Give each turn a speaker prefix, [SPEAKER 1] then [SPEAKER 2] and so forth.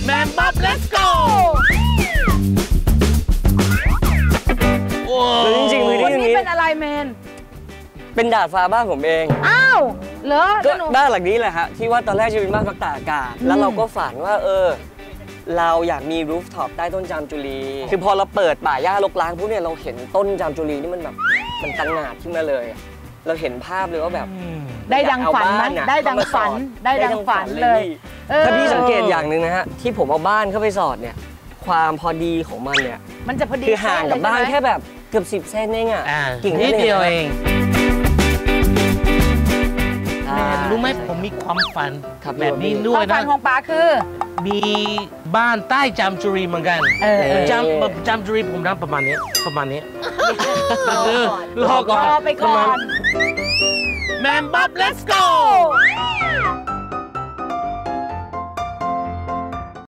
[SPEAKER 1] แมนบ๊อบ let's go
[SPEAKER 2] จริงๆพื้นที่ตรงนี้
[SPEAKER 3] เป็นอะไรแมน
[SPEAKER 2] เป็นดาดฟ้าบ้านผมเอง
[SPEAKER 3] อ้าวเหรอ
[SPEAKER 2] ก็บ้านหลังนี้แหละฮะที่ว่าตอนแรกจะเป็นบ้านพักตากอากาศแล้วเราก็ฝันว่าเราอยากมีรูฟท็อปใต้ต้นจามจุลีคือพอเราเปิดป่าหญ้ารกร้างพวกเนี่ยเราเห็นต้นจามจุลีนี่มันแบบมันตั้งหนาขึ้นมาเลยเราเห็นภาพเลยว่าแบบ
[SPEAKER 3] ได้ดังฝันไหมได้ดังฝันได้ดังฝันเลย
[SPEAKER 2] ถ้าพี่สังเกตอย่างหนึ่งนะฮะที่ผมเอาบ้านเข้าไปสอดเนี่ยความพอดีของมันเนี่ย
[SPEAKER 3] มันจะพอดี
[SPEAKER 2] คือห่างกับบ้านแค่แบบเกือบ10 เซนเองอ่ะ
[SPEAKER 1] กิ่งนิดเดียวเองรู้ไหมผมมีความฝันแบบนี้ด้วยนะ
[SPEAKER 3] ความฝันของป๋าคือ
[SPEAKER 1] มีบ้านใต้จามจุรีเหมือนกันจามจุรีผมรับประมาณนี้
[SPEAKER 3] รอก่อนไปก่อน
[SPEAKER 1] แมนบ๊อบ let's go